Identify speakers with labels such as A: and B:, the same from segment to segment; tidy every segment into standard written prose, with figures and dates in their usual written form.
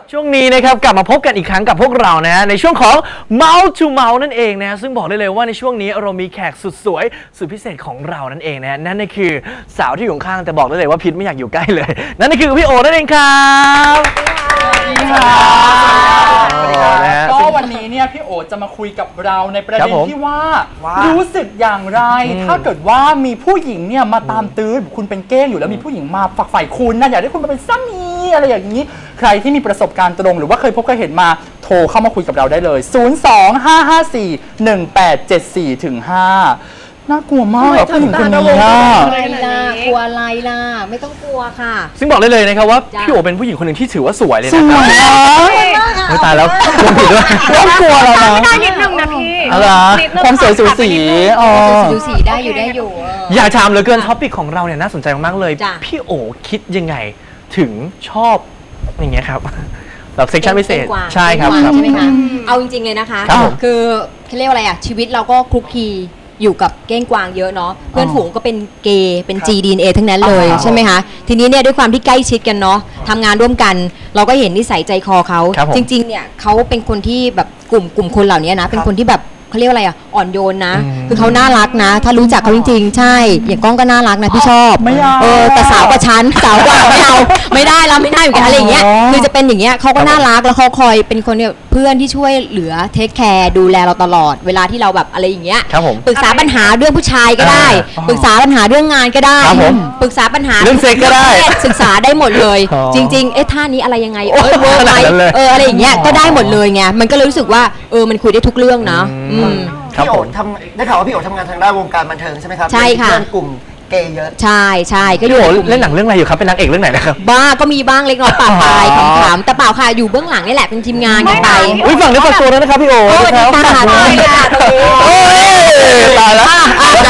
A: ช่วงนี้นะครับกลับมาพบกันอีกครั้งกับพวกเรานะฮะในช่วงของ Mouth to Mouth นั่นเองนะซึ่งบอกได้เลยว่าในช่วงนี้เรามีแขกสุดสวยสุดพิเศษของเรานั่นเองนะนั่นก็คือสาวที่อยู่ข้างแต่บอกได้เลยว่าพิษไม่อยากอยู่ใกล้เลยนั่นก็คือพี่โอนั่นเองครับ
B: ก็วันนี้เนี่ยพี่โอจะมาคุยกับเราในประเด็นที่ว่ารู้สึกอย่างไรถ้าเกิดว่ามีผู้หญิงเนี่ยมาตามตื้อคุณเป็นเก้งอยู่แล้วมีผู้หญิงมาฝักใฝ่คุณนะอยากได้คุณมาเป็นสามีอะไรอย่างนี้ใครที่มีประสบการณ์ตรงหรือว่าเคยพบเคยเห็นมาโทรเข้ามาคุยกับเราได้เลย025541874ถึง5น่ากลัวมากผู้หญิงคนนี้
C: อะไรล่ะกลัวอะไรล่ะไม่ต้องกลัวค่ะ
A: ซึ่งบอกได้เลยนะครับว่าพี่โอเป็นผู้หญิงคนหนึ่งที่ถือว่าสวยเลยนะไม่ตายแล้วลงผิดด้วย
B: ต้องกลัวเรานะ
D: ไม่ได้นิดนึงนะพี่
B: ความสวยสูสี
C: สูสีได้อยู่
A: อยากถามเหลือเกินท็อปิกของเราเนี่ยน่าสนใจมากๆเลยพี่โอคิดยังไงถึงชอบอย่างเงี้ยครับแบบเซ็กชันพิเศษใช่ครับ
C: ใช่ไหมคะเอาจริงๆเลยนะคะคือเขาเรียกว่าอะไรอ่ะชีวิตเราก็คลุกคลีอยู่กับเก้งกวางเยอะเนาะเพื่อนฝูงก็เป็นเกย์เป็น GDNA ทั้งนั้นเลยใช่ไหมคะทีนี้เนี่ยด้วยความที่ใกล้ชิดกันเนาะทำงานร่วมกันเราก็เห็นนิสัยใจคอเขาจริงๆเนี่ยเขาเป็นคนที่แบบกลุ่มคนเหล่านี้นะเป็นคนที่แบบเขาเรียกว่าอะไรอ่ะอ่อนโยนนะคือเขาน่ารักนะถ้ารู้จักเขาจริงๆใช่อย่างก้องก็น่ารักนะพี่ชอบแต่สาวกว่าฉันสาวกว่าไม่เอาไม่ได้เราไม่ได้อยู่กันอะไรอย่างเงี้ยคือจะเป็นอย่างเงี้ยเขาก็น่ารักแล้วเขาคอยเป็นคนเนี่ยเพื่อนที่ช่วยเหลือเทคแคร์ดูแลเราตลอดเวลาที่เราแบบอะไรอย่างเงี้ยปรึกษาปัญหาเรื่องผู้ชายก็ได้ปรึกษาปัญหาเรื่องงานก็ได้ปรึกษาปัญหา
A: เรื่องเซ็กก็ได้
C: ศึกษาได้หมดเลยจริงๆท่านี้อะไรยังไงเวิร์กไหมอะไรอย่างเงี้ยก็ได้หมดเลยไงมันก็เลยรู้สึกว่ามันคุยได้ทุกเรื่องนะ
E: พี่โอ๋ได้ข่าวว่าพี่โอ๋ทำงานทางด้านวงการบันเทิงใช่ไหมครับ
C: ใช่ค่ะ
E: เพื่อนกลุ่มเกย์เยอะ
C: ใช่ก็
A: พี่โอ๋เล่นหนังเรื่องอะไรอยู่ครับเป็นนางเอกเรื่องไหนนะครับ
C: บ้าก็มีบ้างเล็กน้อยปะปลายขำๆแต่เปล่าค่ะอยู่เบื้องหลังนี่แหละเป็นทีมงานกันไป
A: ฝั่งนี้ฝากตัวแล้วนะครับพี่โอ๋
C: สวัสดีค่ะ
A: ตายแล้ว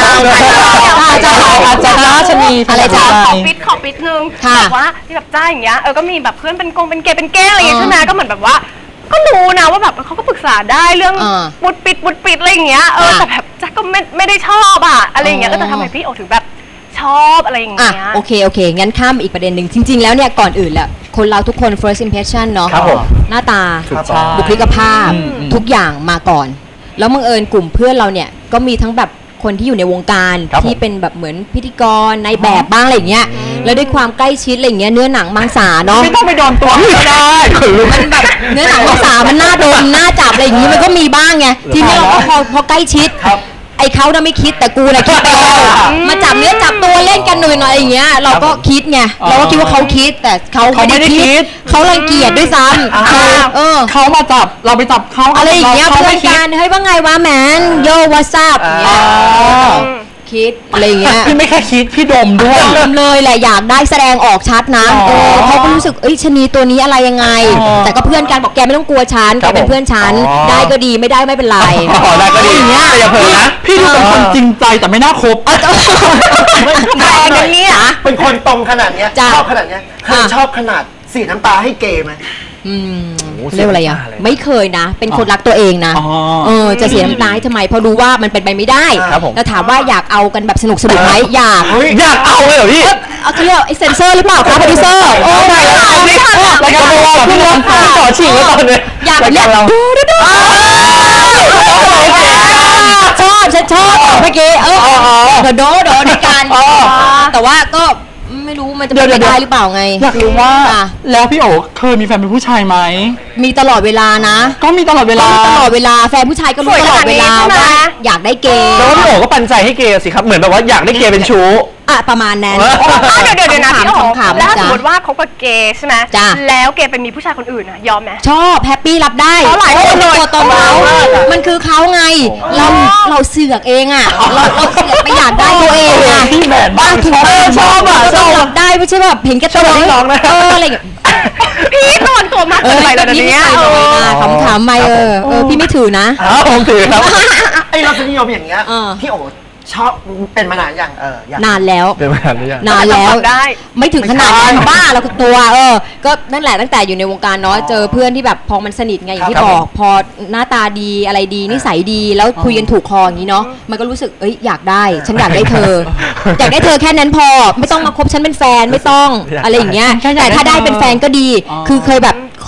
C: จะราชนีอะไรจ้า
D: ขอปิดนึงแบบว่าที่แบบจ้าอย่างเงี้ยก็มีแบบเพื่อนเป็นเกย์เป็นแก้อะไรอย่างเงี้ยใช่ไหมก็เหมือนแบบว่าก็รู้นะว่าแบบเขาก็ปรึกษาได้เรื่องบุดปิดอะไรอย่างเงี้ยแต่แบบจ๊ะก็ไม่ได้ชอบอะไรอย่างเงี้ยก็แต่ทำไมพี่โอถึงแบบชอบอะไรอย่างเงี้ย
C: โอเคงั้นข้ามอีกประเด็นหนึ่งจริงๆแล้วเนี่ยก่อนอื่นแหละคนเราทุกคน first impression เนาะหน้าตาบุคลิกภาพทุกอย่างมาก่อนแล้วบังเอิญกลุ่มเพื่อนเราเนี่ยก็มีทั้งแบบคนที่อยู่ในวงการที่เป็นแบบเหมือนพิธีกรในแบบบ้างอะไรอย่างเงี้ยแล้วด้วยความใกล้ชิดอะไรอย่างเงี้ยเนื้อหนังมังสาเนาะ
B: ไม่ต้องไปโดนตัวก็ได้
C: มันแบบเนื้อหนังมังสามันน่าโดนน่าจับอะไรอย่างงี้มันก็มีบ้างไงทีนี้เราก็พอใกล้ชิดไอ้เขาน่ะไม่คิดแต่กูน่ะคิดไปแล้วมาจับเนื้อจับตัวเล่นกันหน่อยอย่างเงี้ยเราก็คิดไงเราก็คิดว่าเขาคิดแต่เขาไม่ได้คิดเขารังเกียจด้วยซ้ำ
B: เขามาจับเราไปจับเขา
C: อะไรอย่างเงี้ยเพื่อนกันเฮ้ยว่าไงวะแมนโยวัสซับคิดอะไรเงี้ย
B: พี่ไม่แค่คิดพี่ดมด้วย
C: ดมเลยแหละอยากได้แสดงออกชัดนะเขาก็รู้สึกชนีตัวนี้อะไรยังไงแต่ก็เพื่อนกันบอกแกไม่ต้องกลัวฉันแกเป็นเพื่อนฉันได้ก็ดีไม่ได้ไม่เป็นไร
A: ได้ก็ดี
C: อย่างเงี้ย
A: อย่าเผลอนะ
B: พี่ดูเป็นคนจริงใจแต่ไม่น่าคบ
E: อย่างนี้เป็นคนตรงขนาดเนี้ยชอบขนาดเนี้ยเคยชอบขนาดสีน้ำตาให้เกย์ไหม
C: เรียกอะไรไม่เคยนะเป็นคนรักตัวเองนะจะเสียน้ำตาทำไมเพราะรู้ว่ามันเป็นไปไม่ได้แล้วถามว่าอยากเอากันแบบสนุกไหมอยาก
A: เอาเลยเหรอพี่
C: เขาเรียกเซนเซอร์หรือเปล่าครับโปรดิวเซอร์
A: ไม่ทันรายการเราพี่ร้องต่อฉีกไว้ตอนนี้
C: อยากแบบนี้ฉันชอบเมื่อกี้โดในการแต่ว่าก็ไม่รู้มันจะเป็นได้หรือเปล่าไง
B: อยากรู้ว่าแล้วพี่โอ๋เคยมีแฟนเป็นผู้ชายไหม
C: มีตลอดเวลานะ
B: ก็มีตลอดเวลา
C: แฟนผู้ชายก็รู้ตลอดเวลาว่าอยากได้เกย์
A: แล้วพี่โอ๋ก็ปันใจให้เกย์สิครับเหมือนแบบว่าอยากได้เกย์เป็นชู้
C: ประมาณนั้น
D: เดี๋ยวนะพี่โอ๋แล้วสมมติว่าเขากับเกย์ใช่ไหมแล้วเกย์ไปมีผู้ชายคนอื่นยอมไหม
C: ชอบแฮปปี้รับได้ตัวตนเรามันคือเขาไงเราเสือกเองเราเสือกไปอยากได้ตัวเอง
B: พี่แมนบ้าง
C: ชอบรับได้ไม่ใช่แบบเห็นแก่ตัวอะไรอย่าง
D: พี่ตอนตัวมากเลยแบบนี้
C: ถามไม่พี่ไม่ถือนะ
A: ผมถือครับ
E: ไอรสนิยมอย่างเงี้ยพี่โอ๋ชอบเป็นมานานอย่าง
C: นานแล้ว
A: เป็นมานานหรือยัง
C: นานแล้วไม่ถึงขนาดนั้นบ้าเราตัวก็นั่นแหละตั้งแต่อยู่ในวงการเนาะเจอเพื่อนที่แบบพอมันสนิทไงอย่างที่บอกพอหน้าตาดีอะไรดีนิสัยดีแล้วคุยกันถูกคออย่างนี้เนาะมันก็รู้สึกอยากได้ฉันอยากได้เธออยากได้เธอแค่นั้นพอไม่ต้องมาคบฉันเป็นแฟนไม่ต้องอะไรอย่างเงี้ยแต่ถ้าได้เป็นแฟนก็ดีคือเคยแบบข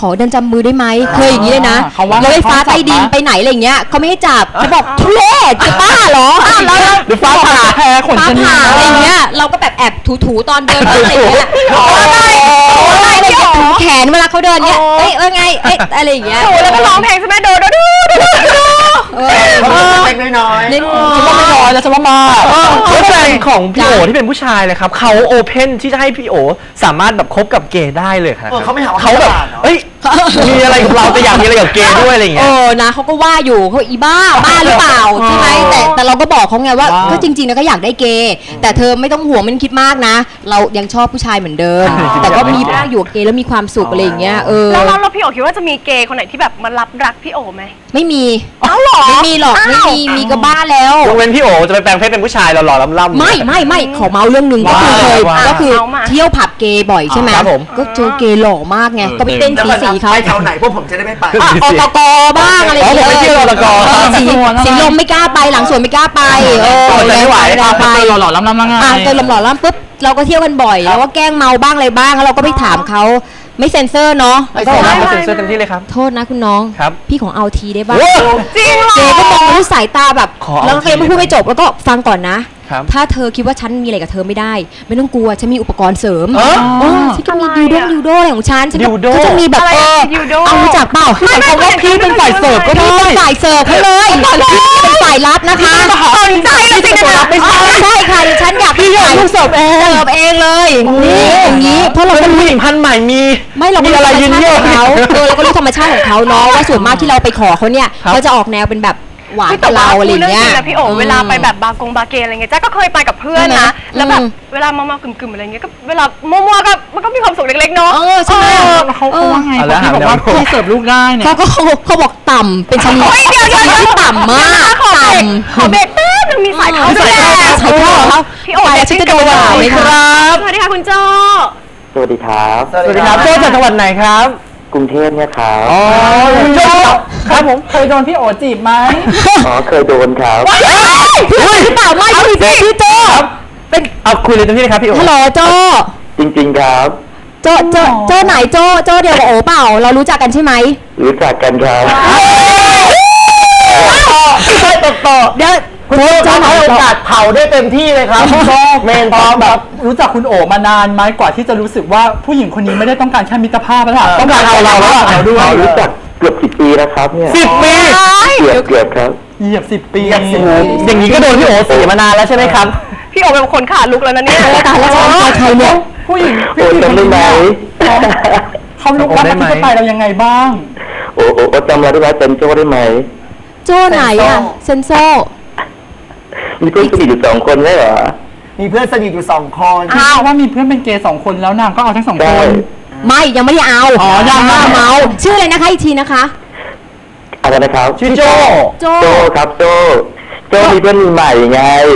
C: ขอเดินจับมือได้ไหมเคยอย่างนี้เลยนะ
B: เขาว่าร
C: ถไฟฟ้า
B: เขาจับ
C: ใต้ดิน
B: นะ
C: ไปไหนอะไรอย่างเงี้ยเขาไม่ให้จับเขาบอกทุเรศจะบ้าเหรอแล้ว
B: หรือฟ้าผ่าแพ้ขน
C: ฟ้า
B: ชะนี
C: ผ่าอะไรอย่างเงี้ยเราก็แบบแอบถูๆตอนเดินอะไรอย่างเงี้ยอะไรถูแขนเวลาเขาเดินเงี้ยเอ้ยไงเอ้ยอะไรอย่างเงี้ย
D: ถูแล้วก็ร้องเพลงใช่ไหมโดโดโดโดโด
E: เล็กน้อย
C: เล่น
B: ฉันว่าไม่น้อยแล้วฉันว่ามา
A: แล้วแฟนของพี่โอที่เป็นผู้ชายเลยครับเขาโอเพนที่จะให้พี่โอสามารถแบบคบกับเกย์ได้เลยครับ
E: เขาไม่หาว่า
A: เขาแบบเอ้ยมีอะไรกับเราแต่อยากมีอะไรกับเกย์ด้วยอะไรอย่างเงี้ย
C: นะเขาก็ว่าอยู่เขาอีบ้าหรือเปล่าใช่ไหมแต่เราก็บอกเขาไงว่าก็จริงๆนะก็อยากได้เกย์แต่เธอไม่ต้องห่วงไม่ต้องคิดมากนะ เรายังชอบผู้ชายเหมือนเดิม แต่ก็มีบ้างอยู่กับเกย์แล้วมีความสุขอะไรอย่างเงี้ย
D: แล้วพี่โอคิดว่าจะมีเกย์คนไหนที่แบบมารับรักพี่โอไหม
C: ไม่มี
D: หรอ
C: ไม่มีหรอกไม่มีก็บ้าแล้ว
A: ยกเว้นพี่โอจะไปแปลงเพศเป็นผู้ชายหล่อๆล่ำๆ
C: ไม่ขอเมาเรื่องหนึ่งก็คือเคยก็คือเที่ยวผับเกย์บ่อยใช่ไหม
A: ครับผม
C: ก็เจอเกย์หล่อมากไงก็ไปเต้นสีเขา
E: ไปแถวไหนพวกผมจะได้ไม่ไป
C: อตกบ้างอะไร
A: ผมไปเที่ยวอตก
C: สีลมไม่กล้าไปหลังสวนไม่กล้าไป
A: ไม่ไหว
C: ไป
B: หล่อๆล้ำๆไง
C: เจอหล่อๆปุ๊บเราก็เที่ยวกันบ่อยแล้วก็แกล้งเมาบ้างอะไรบ้างแล้วเราก็ไปถามเขาไม่เซ็นเซอร์เนาะ
A: ไม่ใช่ครับเซ็นเซอร์เต็มที่เลยครับ
C: โทษนะคุณน้อง
A: ครับ
C: พี่ของเอาทีได้บ้าง
D: จริงเหรอ
C: เจ๊ก็มองด้วยสายตาแบบ
A: ขอเอา
C: แล้วก็ยังไม่พูดไม่จบแล้วก็ฟังก่อนนะ
A: ครับ
C: ถ้าเธอคิดว่าฉันมีอะไรกับเธอไม่ได้ ไม่ต้องกลัวฉันมีอุปกรณ์เสริม
A: เออ
C: ฉันก็มีดิวโดอะไรของฉัน
A: ดิวโด
C: ก็จะมีแบบ
D: อะไรดิวโด
C: เอารู้จักเปล่า
B: ใช้คำว่าพี่เป็นฝ่ายเสิร์ฟก็
C: พี่
B: ได้
C: เป็นฝ่ายเสิร์ฟเขาเลยเป็นฝ่ายรับนะคะ
D: สนใจเลยสินะ
C: ไม่ใช่ค่ะดิฉันอยากพี่อยากเสิร์ฟเองเลยนี่อย่างนี้เพราะเรา
A: เป็น
C: ก็
A: ผู้หญิงพันธุ์ใหม่มี
C: ไม่เราก็
A: มี
C: รู้
A: อะไร
C: ธรรม
A: ยืน
C: ชา
A: เยี่ยว
C: ติของเขาเราก็รู้ธรรมชาติของเขาเนาะว่าส่วนมากที่เราไปขอเขาเนี่ย
A: ครับ
C: เขาจะออกแนวเป็นแบบหวาน
D: พี่
C: กับเราอะไร
D: เรื่
C: เงี้ย
D: จริงนะพี่โอเวลาไปแบบบาร์เกย์อะไรเงี้ยจ้าก็เคยไปกับเพื่อนนะ
C: ใช่ไหม
D: แล้วแบบเวลาเมากึ่มๆอะไรเงี้ยก็เวลามั่วๆก็มันก็มีความสุขเล็กๆเนาะ
C: ใช่ไหม
B: เขาว่าไงเขาบอกว่าพี่เสิร์ฟลูกได้เนี่ย
C: เขาบอกต่ำเป็นชนิด
D: เฮ้ยเดี๋ยว
C: ที่ต่ำมาก
D: ขอ
C: ต่
D: เบรกแป๊บนึงมีสายเข้าด้วย
C: ใส่เข้าเหรอ
D: พี่โอ
C: ไป
D: เด็
C: แล้วฉันจะโดนด่าไหมคะ
D: สวัสดีค่ะคุณโจ
E: สวัสดีครับ
A: สวัสดีครับโจ้จากจังหวัดไหนครับ
E: กรุงเทพเนี่ยครับ
A: อ๋อโจ้ครับผม
B: เคยโดนพี่โอจีบไหม
E: อ๋อเคยโดนครับ
C: พี่หรือเปล่าไม่พี่โจ
A: เป็นเอาคุยเลยเต็มที่เลยครับพี่โอ
C: ฮัลโหลโจ
E: จริงๆครับ
C: โจไหนโจเดียวกับโอเปล่าเรารู้จักกันใช่ไหม
E: รู้จักกันครับ
C: เดี๋ยว
E: คุณโจ้ให้โอกาสเผาได้เต็มที่เลยครับเมนพร้อมแบบ
B: รู้จักคุณโอมานานไหมกว่าที่จะรู้สึกว่าผู้หญิงคนนี้ไม่ได้ต้องการแค่มิตรภาพแล้วล่ะต้องการเอาเราแล้วเราด้วย
E: รู้จักเกือบ10 ปีแล้วครับเนี่ย
A: 10 ปี
E: เกือบครับ
B: เหยียบ10 ปี
A: อย่างนี้ก็โดนพี่โอเสียมานานแล้วใช่ไหมครับ
D: พี่โอเป็นคนขาลุกแล้วนะเนี่ย
C: ตายแล้วใครเนี่ย
B: ผู้หญิง
E: โอ้จำได้ไหม
B: เขาลุกรับอธิปไตยเรายังไงบ้าง
E: โอ้จำเราได้ไหมเป็นโจ้ได้ไหม
C: โจไหนอะเซนโซ
E: มีเพื่อนสนิทอยู่2 คนใช่เหรอ มีเพื่อนสนิทอยู่2 คน
B: อ้าวว่ามีเพื่อนเป็นเกย์2 คนแล้วนางก็เอาทั้ง2
E: ใช่
B: คน
C: ไม่ยังไม่ได้เอา
B: อ๋อยังไม่
C: เมาชื่ออะไรนะคะอีกทีนะคะ
E: อะไรนะครับ
A: ชื่อโจ้
C: โจ
E: โจ้ครับโจ้มีเพื่อนใหม่ไง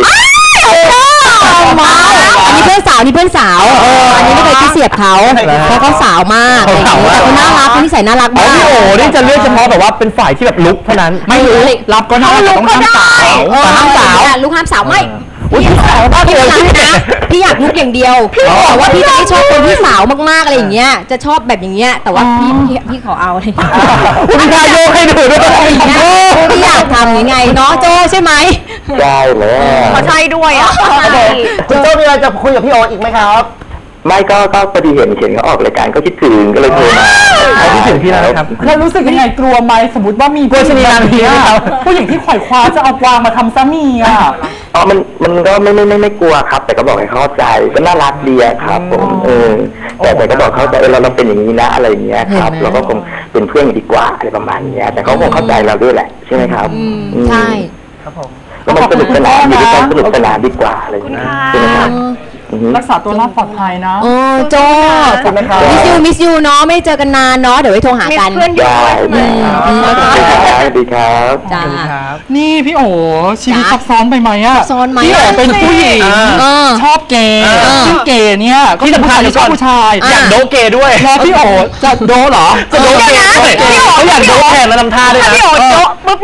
C: เมาอันนี้เพื่อนสาวอันนี้ไม่เคยคิดเสียบเขาเพราะเขาสาวมากอะไรอย่างเงี้ยแต่เขาน่ารักเขานิสัยน่ารัก
A: อ๋อ
C: มาก
A: พี่โอนี่จะเลือกเฉพาะแบบว่าเป็นฝ่ายที่แบบลุกเท่านั้น
B: ไม่รู้รับก็ได้แต่ต้องห้ามสาว
C: ห้ามสาวลูกห้ามสาวไม่พี่สาวพี่รักนะพี่อยากลุกอย่างเดียวแต่ว่าพี่จะไม่ชอบคนที่สาวมากๆอะไรอย่างเงี้ยจะชอบแบบอย่างเงี้ยแต่ว่าพี่ขอเอาอะไร
A: คุณนายโยกให้ดูด้วย
C: พี่อยากทำยังไงเนาะโจใช่ไหม
E: ได้แล้ว
D: ขอใช่ด้วยอ่ะ
E: คุณโจ้มีอะไรจะคุยกับพี่โออีกไหมครับ ไม่ก็พอดีเห็นเขาออกรายการก็คิดถึงก็เลยโทรมา
A: คิดถึงพี่แล้วนะครับ
B: แล้วรู้สึกยังไงกลัวไหมสมมติว่ามี
A: กลัวชะนีนางผีไหมครับ
B: ผู้หญิงที่ขวายคว้าจะเอากวางมาทำซะมีอ่ะ
E: อ๋อมันก็ไม่กลัวครับ แต่ก็บอกให้เข้าใจก็น่ารักดีอะครับผมแต่ก็บอกเข้าใจเราเป็นอย่างนี้นะอะไรอย่างเงี้ยครับเราก็คงเป็นเพื่อนดีกว่าอะไรประมาณเนี้ยแต่เขาคงเข้าใจเราด้วยแหละใช่ไหมครับ
C: ใช่
A: ครับผม
E: แล้วมันสนุกสนานอยู่ด้วยกันสนุกสนานดีกว่าอะไรอย่างเงี้ยใช่ไหมครับ
B: รักษาตัวรอดปลอดภัยนะ
C: โอ้โจมิสยูเนาะไม่เจอกันนานเนาะเดี๋ยวไว้โทรหา
D: มี
C: กัน
D: เพื่อนเยอะด้วยใช่ไหม
E: สวัสดีครับ
C: จ้า
B: นี่พี่โอชีวิตซับซ้อนไปไหมอะ
C: ซับซ้อนไหม
B: พี่โอเป็นผู้หญิงชอบเกย์ซึ่งเกย์เนี่ยก็
A: ที่สำคัญ
B: ชอบผู้ชาย
A: อยากโดเกย์ด้วย
B: แล้วพี่โอจะโดเหรอ
A: จะโดเกย์ด้วยเขาอยากโดแทนแล้วทำท่าด้วย
D: ถ้า
A: นะ
D: พี่โอโจ๊ะปุ๊บเนี่ย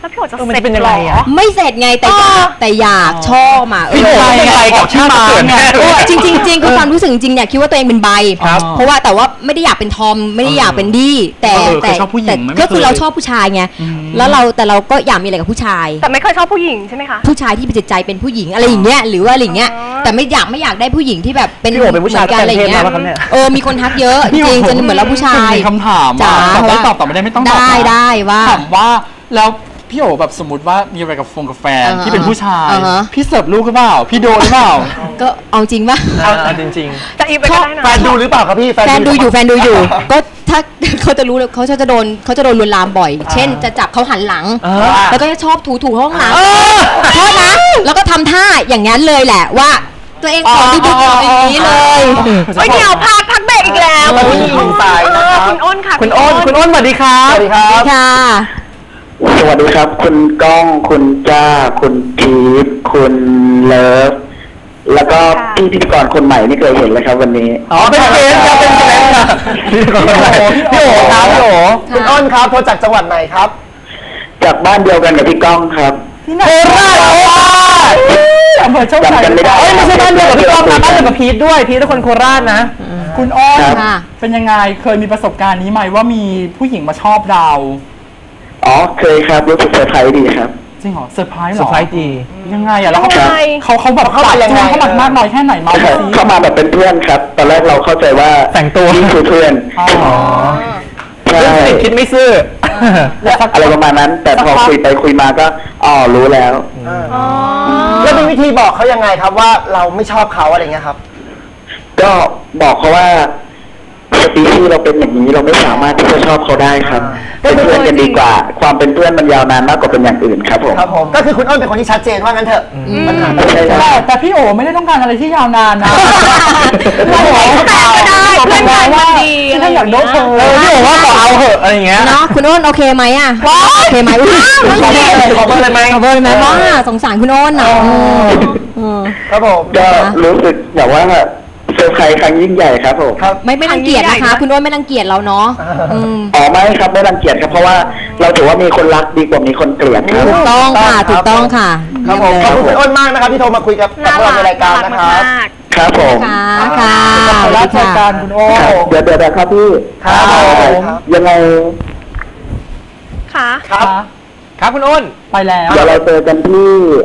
D: แล้วพี่โอจะ
A: มัน
D: เสร็จ
A: เป็นยังไงอะ
D: หรอ
C: ไม่เสร็จไงแต่อยากชอบอ่ะ
A: พี่โอ๋เป็นใบกับชาติเกิดแน่เลย
C: จริงคือความรู้สึกจริงเนี่ยคิดว่าตัวเองเป็นใบ
A: ครับ
C: เพราะว่าแต่ว่าไม่ได้อยากเป็นทอมไม่ได้อยากเป็นดี้แต่
B: เคยชอบผู้หญิงไหม
C: ก็คือเราชอบผู้ชายไงแล้วเราก็อยากมีอะไรกับผู้ชาย
D: แต่ไม่เคยชอบผู้หญิงใช่ไหมคะ
C: ผู้ชายที่เป็นจิตใจเป็นผู้หญิงอะไรอย่างเงี้ยหรือว่าอะไรอย่างเงี้ย
D: อ๋อ
C: แต่ไม่อยากได้ผู้หญิงที่แบบเป็น
A: พี่โอ๋เป็นผู้ชาย
C: หมือกันอะไรอย่างเงี้ย
A: แต่งเพศมาปะครับเนี่ย
C: มีคนทักเยอะจริงๆจนเหมือนเราผู้ชาย
B: มีคำถาม
C: จ๋า
B: ตอบไม่ได้ไม่ต้องตอบ
C: ได้ว่า
B: ถามว่าแล้วพี่โอแบบสมมติว่ามีอะไรกับแฟนที่เป็นผู้ชาย พี่เสิร์ฟลูกหรือเปล่าพี่โดนหรือเปล่า
C: ก็เอาจริงป่ะ
A: เอาจริง
D: จะอีฟไปก็ได้นะ
F: แฟนดูหรือเปล่าครับพี่
C: แฟนดูอยู่ ก็ถ้า เขาจะรู้เลยเขาจะโดนลวนลามบ่อย เช่นจะจับเขาหันหลัง แล้วก็จะชอบถูห้องหลังโทษนะแล้วก็ทำท่าอย่างนั้นเลยแหละว่า ตัวเองขอดูอย่างนี้เลย
D: เฮ้ยเดี๋ยวพักเบรกอีกแล้ว
F: มาที่หญิงสายนะครับ
D: คุณอ้นค่ะ
A: ๆ คุณอ้นสวัสดีครับ
F: สวัสดีครับ
C: ค่ะ
E: สวัสดีครับ คุณก้องคุณจ้าคุณทีฟคุณเลิฟแล้วก็พี่พิธีกรคนใหม่ไม่เคยเห็นเลยครับ วันนี้
A: อ๋อเป็นเกสครับเป็นเกสครับพี่โอ๋ครับพี่โอ๋
F: คุณอ้นครับโทรจากจังหวัดไหนครับ
E: จากบ้านเดียวกันกับพี่ก้องครับ
A: โคราช
B: อำเภอโชคชัย
E: จำกันไม่ได้
A: ไม่ใช่บ้านเดียวกับพี่ก้องนะบ้านเดียวกับพีทด้วยพีทเป็นคนโคราชนะ
B: คุณอ้อน
C: ค่ะ
B: เป็นยังไงเคยมีประสบการณ์นี้ไหมว่ามีผู้หญิงมาชอบเรา
E: อ๋อเคยครับรู้สึกเซอร์ไพรส์ดีครับ
B: จริงเหรอเซอร์ไพรส์เหร
A: เซอ
B: อ
A: ร์ไพรส์ดี
B: ยังไงอ่ะแล้ว
D: ยังไง
B: เขาแบบ
F: เข้ามายังไง
B: เขาหมักมากน้อยแค่ไหนมาสิ
E: เข้ามาแบบเป็นเพื่อนครับ ตอนแรกเราเข้าใจว่า
A: แต่งตัว
E: นี่คือเพื่อน
B: อ๋อ
E: ใช่
A: เรื่องสนิทคิดไม่ซื่อ
E: อะไรประมาณนั้น แต่พอคุยไปคุยมาก็รู้แล้ว
F: แล้วมีวิธีบอกเขายังไงครับว่าเราไม่ชอบเขาอะไรเงี้ยครับ
E: ก็บอกเขาว่าสปีชีส์เราเป็นอย่างนี้เราไม่สามารถที่จะชอบเขาได้ครับ เป็นเพื่อนกันดีกว่า ความเป็นเพื่อนมันยาวนานมากกว่าเป็นอย่างอื่นครับผม
F: ครับผมก็คือคุณอ้นเป็นคนที่ชัดเจนว่างั้นเถอะปัญหาไม่ใช่
B: แต่พี่โอไม่ได้ต้องการอะไรที่ยาวนานนะ
D: เราไม่แฟนก็ได้เพื่อนกันมันดีอะไร
B: ถ้าอยากโดนเธอ
A: พี่โอ๋ว่าขอเอาเหอะอะไรอย่างเงี้ย
C: เนาะคุณอ้นโอเคไหมอ่ะโอเคไหมอุ้ย
F: ขอเบอร์เลยไหม
C: ขอเบอร์เลยไหมว่าสงสารคุณอ้นอ่ะ
F: ครับผม
E: ก็รู้สึกแบบว่าเซอร์ไพรส์ครั้งยิ่งใหญ่ครับผม
F: ครับ
C: ไม่รังเกียจนะคะ คุณอ้นไม่รังเกียจเราเนาะ
E: อ๋อไม่ครับไม่รังเกียจครับเพราะว่าเราถือว่ามีคนรักดีกว่ามีคนเกลียดครับ
C: ถูกต้องค่ะถูกต้องค่ะ
F: ครับผมขอบคุณคุณอ้นมากนะครับที่โทรมาคุยกับ
D: น่า
F: เรา
D: รัก
F: ในรายการนะครับ
D: มาก
E: ครับผม
C: ค่ะค่ะ
B: ขอรับรายการคุณโอ
E: ครับเดี๋ยวครับพี่
F: ครับผม
E: ยังไง
D: ค่ะ
F: ครับ
A: ครับคุณอ้น
B: ไปแล้ว
E: เดี๋ยวเราเจอกันที่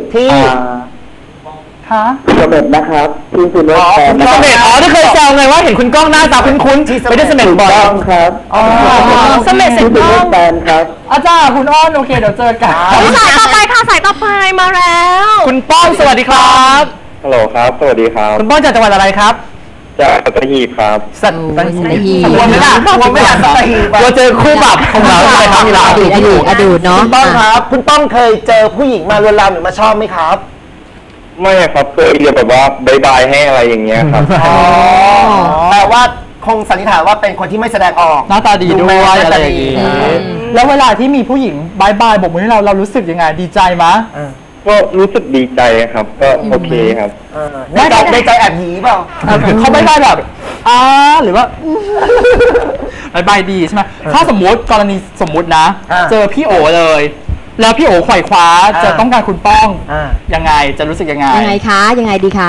B: ค่ะ
E: เสม็ดนะครับที่คุณรถแฟนนะ
A: เส
E: ครับ
A: ม็ดที่เคยแซวไงว่าเห็นคุณก้องหน้าตาคุ้นๆไม่ได้เสม็ด
E: ถูก
A: บ่อย
E: ต้องครับ
D: เสม็ดเสร็จ
E: ที่คุณร
D: แล้ว
E: ถแฟนครับ
B: อาจารย์คุณอ้อนโอเคเดี๋ยวเจอกัน
D: สายต่อไปค่ะสายต่อไปมาแล้ว
A: คุณป้องสวัสดีครับ
E: ฮัลโหลครับ สวัสดีครับ
A: คุณป้องจากจังหวัดอะไรครับ
E: จากสัตหีบครับ
A: สัตหีบ
C: สัตหีบ
A: กลัวไม่ได้กลัวไม่ได้สัตหีบกลัวเจอคู่ปรับของเราใช่ไหมครับมีเรา
C: อดีตเนาะ
F: คุณป้องครับ คุณป้องเคยเจอผู้หญิงมาลวนลามหรือมาชอบไหมครับ
E: ไม่ครับเคยเรียนแบบว่าบายบายให้อะไรอย่างเงี้ยครับ
F: แต่ว่าคงสันนิษฐานว่าเป็นคนที่ไม่แสดงออก
B: หน้าตาดีด้วย
F: หน้า
B: อะไร
F: ตา
B: อ
F: ดี
B: ย่างงี้แล้วเวลาที่มีผู้หญิงบายบายบอกมือให้เรารู้สึกยังไงดีใจมะ
E: ก็รู้สึกดีใจครับ ก็โอเคครับ
F: ในใจแอบหยีเปล่า
B: เขาบายบายแบบหรือว่าบายบายดีใช่ไหมถ้าสมมติกรณีสมมตินะ เจอพี่โอเลย แล้วพี่โอไขว่คว้าจะต้องการคุณป้องยังไงจะรู้สึกยังไง
C: ยังไงคะยังไงดีคะ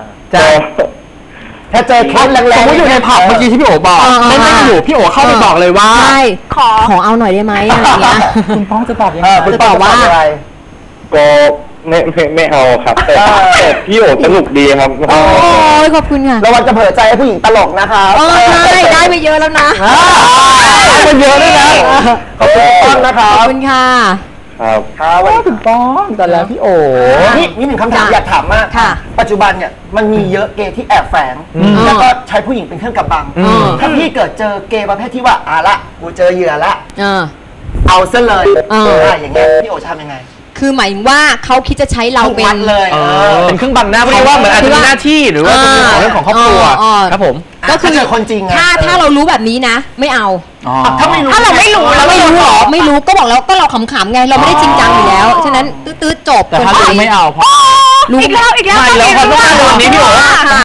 F: ถ้าเจอแคสแรงๆ
B: สมมติอยู่ในผับเมื่อกี้ที่พี่โอบอกเล่นๆอยู่พี่โอเข้าไปบอกเลยว่า
C: ใช่ขอเอาหน่อยได้ไหมอะไรอย่างเงี้ย
B: คุณป้องจะตอบยังไง
F: คุณป้องจะตอบอะไร
E: ก็ไม่เอาครับแต่พี่โอสนุกดีครับ
C: โอ้ยขอบคุณค่ะ
F: ระวังจะเผลอใจให้ผู้หญิงตลกนะครับ
C: ใช่ได้ไปเยอะแล้วนะ
F: มันเยอะด้วยนะขอบคุณป้องนะครั
C: ขอ
F: บบ
C: คุณค่ะ
E: ครับ
F: ครับ
B: คุณป้องแต่แล้วพี่โอ
F: นี่หนึ่งคำถามอยากถามมาก
C: ค่ะ
F: ปัจจุบันเนี่ยมันมีเยอะเกย์ที่แอบแฝงแล้วก็ใช้ผู้หญิงเป็นเครื่องกำบังถ้าพี่เกิดเจอเกย์ประเภทที่ว่าละกูเจอเหยื่อละเอาซะเลยอย่างเงี้ยพี่โอทำยังไง
C: คือหมายถึงว่าเขาคิดจะใช้เราเป็น
F: เลย
A: เป็นเครื่องบังหน้าเพราะว่าเหมือนอาจจะมีหน้าที่หรือว่าเป็นเรื่องของครอบครัวครับผม
C: ก็คือ
F: เจอคนจริงไง
C: ถ้าเรารู้แบบนี้นะ ไม่เอา
F: ถ้าไม่รู้
D: ถ้าเราไม่รู้
C: เราไม่รู้หรอไม่รู้ก็บอกแล้วก็เราขำๆไงเราไม่ได้จริงจังอยู่แล้วฉะนั้นตื้อๆจบ
B: แต่ถ้ารู้ไม่เอาเพราะ
C: รู้
D: อีกแล้ว
A: ใช่แล้วพอต้องการวันนี้พี่โอ